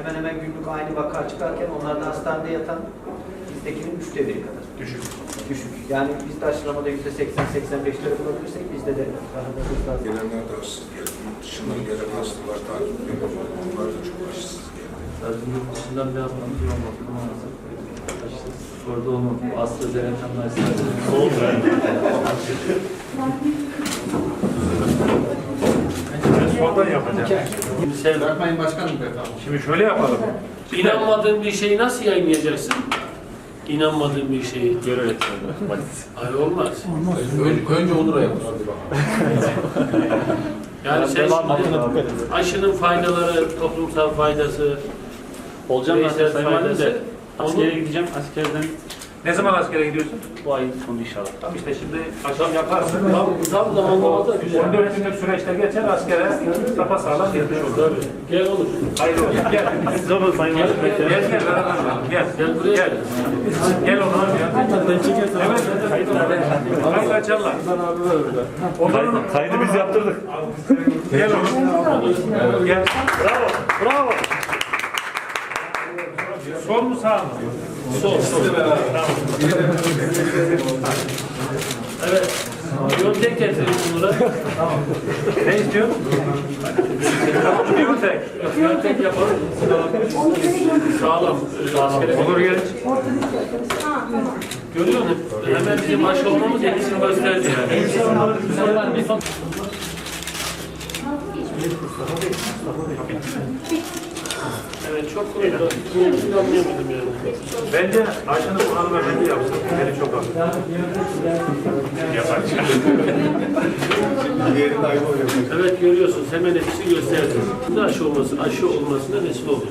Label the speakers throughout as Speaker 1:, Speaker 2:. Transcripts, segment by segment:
Speaker 1: hemen hemen günlük aynı vaka çıkarken onlarda hastanede yatan bizdekinin 3'te 1'i kadar.
Speaker 2: Düşük.
Speaker 1: Düşük. Yani bizde aşılamada %80-85'leri bulabilirsek bizde de daha da hızlı.
Speaker 3: Gelenler de aşısız geldi. Yurt dışından gelen hastalar takip ediyor. Onlar da çok aşısız geldi.
Speaker 4: Zaten yurt dışından bir hastamız olmadı maalesef. Aşısız. Orada olmadı. AstraZeneca'nın aşısı. Oldu yani.
Speaker 2: Sonradan yapacağım.
Speaker 4: Sen
Speaker 5: Bırakmayın başkanım be tamam.
Speaker 2: Şimdi şöyle yapalım.
Speaker 6: İnanmadığın bir şeyi nasıl yayınlayacaksın? İnanmadığın bir şeyi.
Speaker 4: görev etmedi.
Speaker 6: Hayır olmaz.
Speaker 5: Önce Onur'a yapın.
Speaker 6: Yani sen şimdi aşının faydaları, toplumsal faydası,
Speaker 4: Olacağım ben
Speaker 6: bireysel
Speaker 4: Sayın Valim de
Speaker 6: faydası.
Speaker 4: askere gideceğim. Askerden
Speaker 2: Ne zaman askere gidiyorsun?
Speaker 4: bu ayın sonu inşallah.
Speaker 2: Tamam işte şimdi aşam yaparsın.
Speaker 6: Tam zamanlamada güzel.
Speaker 2: 14 günlük süreçte geçer askere sapasağlam gitmiş olur.
Speaker 6: Tabii. Gel olur.
Speaker 2: Hayır olur. Gel.
Speaker 4: Zor Sayın Valim.
Speaker 2: Gel beraber olalım. Gel.
Speaker 6: Gel buraya
Speaker 2: Gel. Gel oğlum ya. Evet. Hayır açarlar.
Speaker 4: Kaydı biz yaptırdık.
Speaker 2: Gel oğlum. Gel.
Speaker 4: Bravo. Bravo.
Speaker 2: Sol mu sağ mı?
Speaker 6: sol. Evet. Yöntek getirin bunlara.
Speaker 2: Ne istiyorsun? Bir tek.
Speaker 6: Yöntek yapalım. Sağlam.
Speaker 2: Olur geç.
Speaker 6: Görüyor musun? Hemen bizim aşı olmamız etkisini gösterdi yani. Evet çok kolay. Anlayamadım yani.
Speaker 2: Bence aşını bu hanımefendi yapsın. Beni çok alır. Yapar.
Speaker 6: Evet görüyorsunuz hemen etkisi gösterdi. Aşı olmasına vesile oldu.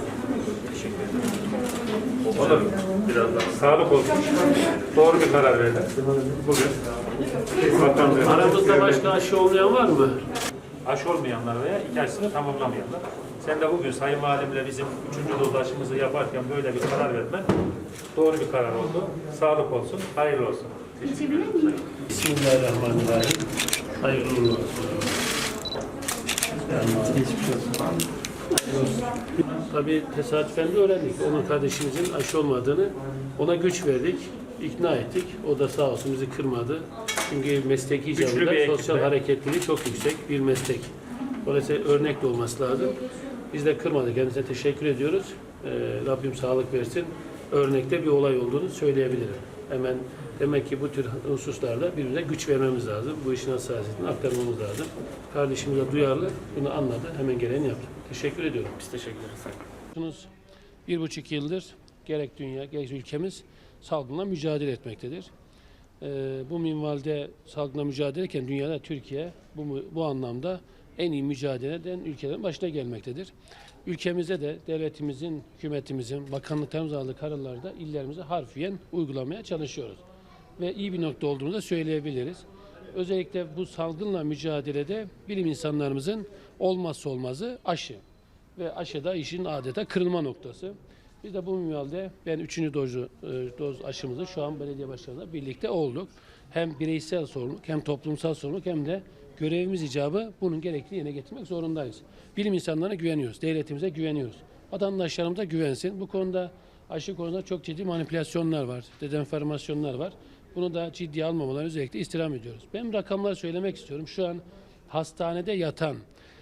Speaker 2: Olur. Biraz daha. Sağlık olsun. Doğru bir karar verdi. Bugün. Vatandaş.
Speaker 6: Aramızda başka aşı olmayan var mı?
Speaker 2: Aşı olmayanlar veya 2 aşısını tamamlamayanlar. Sen de bugün Sayın Valimle bizim 3. doz aşımızı yaparken böyle bir karar vermen doğru bir karar oldu. Sağlık olsun, hayırlı olsun.
Speaker 6: Bismillahirrahmanirrahim. Hayırlı uğurlu olsun. Tabii tesadüfen de öğrendik. Onun kardeşimizin aşı olmadığını ona güç verdik, ikna ettik. O da sağ olsun bizi kırmadı. Çünkü mesleki
Speaker 2: Güçlü bir
Speaker 6: icabında
Speaker 2: ekip
Speaker 6: sosyal
Speaker 2: be.
Speaker 6: hareketliliği çok yüksek bir meslek. Dolayısıyla örnek de olması lazım. Biz de kırmadık. Kendisine teşekkür ediyoruz. Rabbim sağlık versin. Örnekte bir olay olduğunu söyleyebilirim. Hemen demek ki bu tür hususlarda birbirine güç vermemiz lazım. Bu işin hassasiyetini aktarmamız lazım. Kardeşimiz de duyarlı. Bunu anladı. Hemen gereğini yaptı. Teşekkür ediyorum.
Speaker 4: Biz teşekkür ederiz.
Speaker 6: Biliyorsunuz 1,5 yıldır gerek dünya gerek ülkemiz salgınla mücadele etmektedir. Bu minvalde salgınla mücadele ederken dünyada Türkiye bu anlamda en iyi mücadele eden ülkelerin başına gelmektedir. Ülkemizde de devletimizin, hükümetimizin, bakanlıklarımız aldığı kararlarda illerimize harfiyen uygulamaya çalışıyoruz. Ve iyi bir nokta olduğunu da söyleyebiliriz. Özellikle bu salgınla mücadelede bilim insanlarımızın olmazsa olmazı aşı. Ve aşı da işin adeta kırılma noktası. Biz de bu minvalde ben 3. doz aşımızı şu an belediye başkanıyla birlikte olduk. Hem bireysel sorumluluk hem toplumsal sorumluluk hem de görevimiz icabı bunun gerektiğini yerine getirmek zorundayız. Bilim insanlarına güveniyoruz, devletimize güveniyoruz. Vatandaşlarımız da güvensin. Bu konuda aşı konusunda çok ciddi manipülasyonlar var, dezenformasyonlar var. Bunu da ciddiye almamalarını özellikle istirham ediyoruz. Ben rakamlar söylemek istiyorum. Şu an hastanede yatan,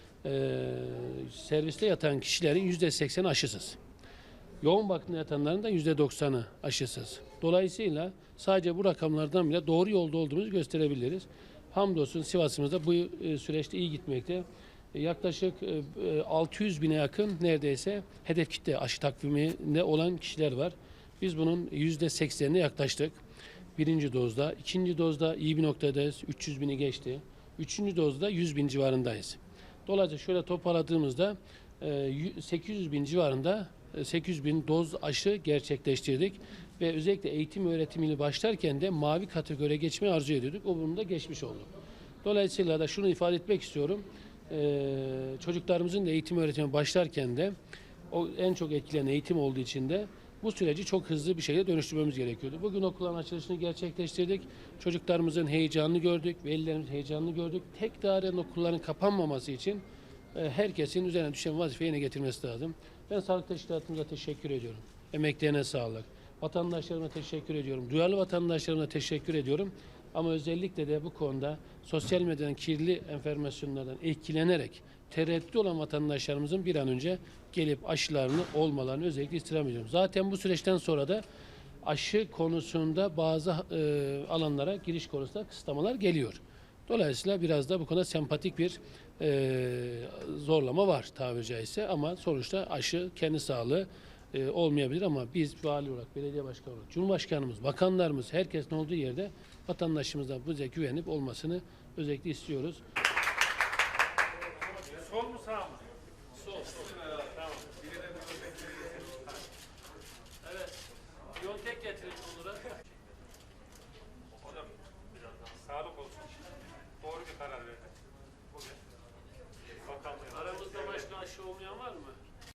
Speaker 6: serviste yatan kişilerin %80'i aşısız. Yoğun bakımda yatanların da %90'ı aşısız. Dolayısıyla sadece bu rakamlardan bile doğru yolda olduğumuzu gösterebiliriz. Hamdolsun Sivas'ımızda bu süreçte iyi gitmekte. Yaklaşık 600 bine yakın neredeyse hedef kitle aşı takviminde olan kişiler var. Biz bunun %80'ine yaklaştık. 1. dozda, 2. dozda iyi bir noktadayız. 300 bini geçti. 3. dozda 100 bin civarındayız. Dolayısıyla şöyle toparladığımızda 800 bin civarında 800 bin doz aşı gerçekleştirdik ve özellikle eğitim öğretimiyle başlarken de mavi kategoriye geçmeyi arzu ediyorduk. O bunu da geçmiş olduk. Dolayısıyla da şunu ifade etmek istiyorum. Çocuklarımızın da eğitim öğretime başlarken de o en çok etkileyen eğitim olduğu için de bu süreci çok hızlı bir şekilde dönüştürmemiz gerekiyordu. Bugün okulların açılışını gerçekleştirdik. Çocuklarımızın heyecanını gördük, velilerimizin heyecanını gördük. Tekraren okulların kapanmaması için herkesin üzerine düşen vazifeyi yerine getirmesi lazım. Ben sağlık teşkilatımıza teşekkür ediyorum. Emeklerine sağlık. Vatandaşlarıma teşekkür ediyorum. Duyarlı vatandaşlarıma teşekkür ediyorum. Ama özellikle de bu konuda sosyal medyanın kirli enformasyonlardan etkilenerek tereddütlü olan vatandaşlarımızın bir an önce gelip aşılarını olmalarını özellikle istirham ediyorum. Zaten bu süreçten sonra da aşı konusunda bazı alanlara giriş konusunda kısıtlamalar geliyor. Dolayısıyla biraz da bu konuda sempatik bir zorlama var tabiri caizse, ama sonuçta aşı kendi sağlığı olmayabilir, ama biz vali olarak, belediye başkanı olarak, Cumhurbaşkanımız, bakanlarımız, herkesin olduğu yerde vatandaşımızdan bize güvenip olmasını özellikle istiyoruz.